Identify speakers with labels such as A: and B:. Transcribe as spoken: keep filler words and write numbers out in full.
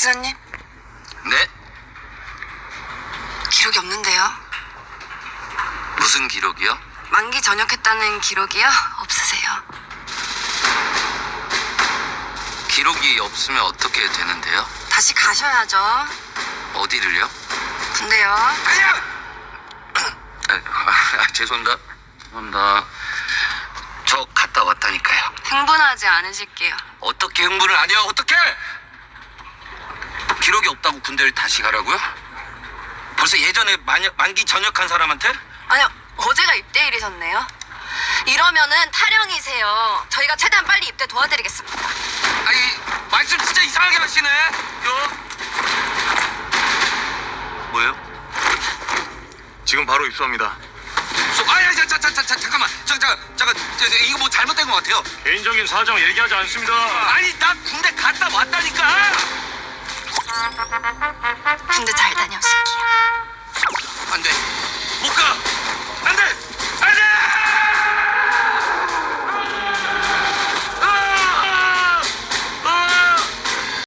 A: 기사님,
B: 네?
A: 기록이 없는데요.
B: 무슨 기록이요?
A: 만기 전역했다는 기록이요? 없으세요.
B: 기록이 없으면 어떻게 되는데요?
A: 다시 가셔야죠.
B: 어디를요?
A: 근데요.
B: 아니야! 아, 아, 죄송합니다. 죄송합니다. 저 갔다 왔다니까요.
A: 흥분하지 않으실게요.
B: 어떻게 흥분을 안 해요? 어떻게? 기록이 없다고 군대를 다시 가라고요? 벌써 예전에 만, 만기 전역한 사람한테?
A: 아니요, 어제가 입대일이셨네요. 이러면은 탈영이세요. 저희가 최대한 빨리 입대 도와드리겠습니다.
B: 아니, 말씀 진짜 이상하게 하시네. 요. 뭐예요?
C: 지금 바로 입수합니다.
B: 저, 아니, 자, 자, 자, 자, 자, 잠깐만. 저, 자, 잠깐, 저, 저, 이거 뭐 잘못된 것 같아요.
C: 개인적인 사정 얘기하지 않습니다.
B: 아니, 나 군대 갔다 왔다니까.
A: 군대 잘 다녀오시고.